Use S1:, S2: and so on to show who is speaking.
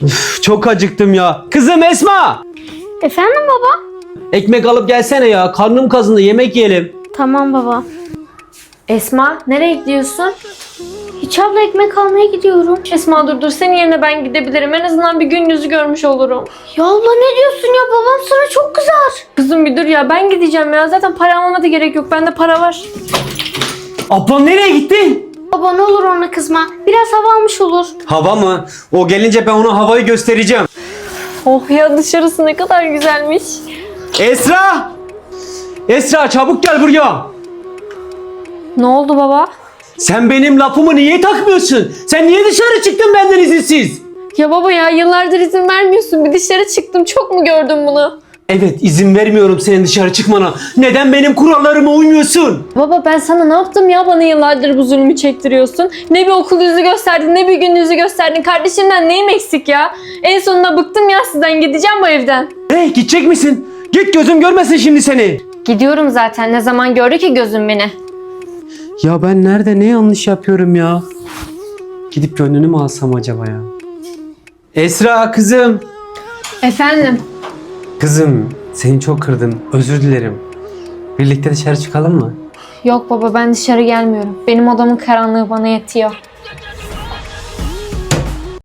S1: Çok acıktım ya. Kızım Esma!
S2: Efendim baba?
S1: Ekmek alıp gelsene ya. Karnım kazındı, yemek yiyelim.
S2: Tamam baba.
S3: Esma nereye gidiyorsun?
S2: Hiç abla ekmek almaya gidiyorum.
S3: Esma dur senin yerine ben gidebilirim. En azından bir gün yüzü görmüş olurum.
S2: Ya abla ne diyorsun ya? Babam sana çok kızar.
S3: Kızım bir dur ya ben gideceğim ya. Zaten para almama da gerek yok. Bende para var.
S1: Ablan nereye gitti?
S2: Baba ne olur ona kızma. Biraz hava almış olur.
S1: Hava mı? O gelince ben ona havayı göstereceğim.
S3: Oh ya dışarısı ne kadar güzelmiş.
S1: Esra! Esra çabuk gel buraya.
S3: Ne oldu baba?
S1: Sen benim lafımı niye takmıyorsun? Sen niye dışarı çıktın benden izinsiz?
S3: Ya baba ya yıllardır izin vermiyorsun. Bir dışarı çıktım. Çok mu gördün bunu?
S1: Evet, izin vermiyorum senin dışarı çıkmana. Neden benim kurallarıma uymuyorsun?
S3: Baba ben sana ne yaptım ya? Bana yıllardır bu zulmü çektiriyorsun. Ne bir okul yüzü gösterdin, ne bir gün yüzü gösterdin. Kardeşimden neyim eksik ya? En sonunda bıktım ya sizden. Gideceğim bu evden.
S1: Gidecek misin? Git, gözüm görmesin şimdi seni.
S3: Gidiyorum zaten. Ne zaman gördü ki gözüm beni?
S1: Ya ben nerede ne yanlış yapıyorum ya? Gidip gönlünü mü alsam acaba ya? Esra kızım.
S3: Efendim?
S1: Kızım seni çok kırdım. Özür dilerim. Birlikte dışarı çıkalım mı?
S3: Yok baba ben dışarı gelmiyorum. Benim odamın karanlığı bana yetiyor.